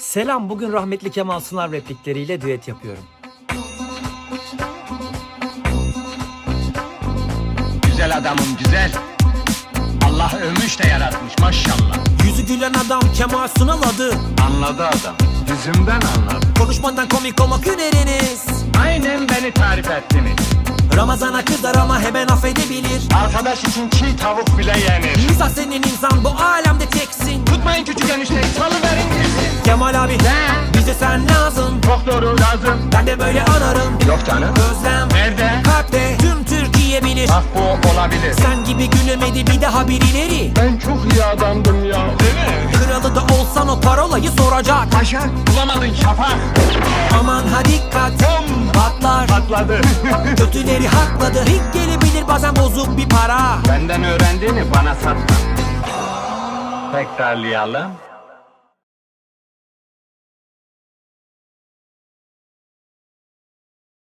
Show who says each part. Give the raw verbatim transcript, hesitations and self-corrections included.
Speaker 1: Selam, bugün rahmetli Kemal Sunal replikleriyle düet yapıyorum.
Speaker 2: Güzel adamım güzel. Allah övmüş de yaratmış maşallah.
Speaker 1: Yüzü gülen adam Kemal Sunal adı.
Speaker 2: Anladı adam. Yüzümden anladı.
Speaker 1: Konuşmadan komik olmak hüneriniz.
Speaker 2: Aynen beni tarif ettiniz.
Speaker 1: Ramazana kızar ama hemen affedebilir.
Speaker 2: Arkadaş için çiğ tavuk bile yenir.
Speaker 1: Misal senin insan bu alemde teksin.
Speaker 2: Tutmayın küçük enişteyi, salıverin girsin.
Speaker 1: Kemal abi
Speaker 2: Ne?
Speaker 1: bize sen lazım.
Speaker 2: Çok doğru lazım.
Speaker 1: Ben de böyle anarım.
Speaker 2: Yok canım.
Speaker 1: Özlem
Speaker 2: Nerede?
Speaker 1: kalpte tüm Türkiye bilir.
Speaker 2: Bak bu olabilir.
Speaker 1: Sen gibi gülemedi bir daha birileri.
Speaker 2: Ben çok iyi adamdım ya. Değil mi?
Speaker 1: Kralı da olsan o parolayı soracak.
Speaker 2: Paşa bulamadın şafak.
Speaker 1: Aman ha dikkat
Speaker 2: Bom!
Speaker 1: patlar.
Speaker 2: Patladı.
Speaker 1: Kötüleri hakladı. Rik gelebilir bazen bozuk bir para.
Speaker 2: Benden öğrendiğini bana satma. Tekrarlayalım.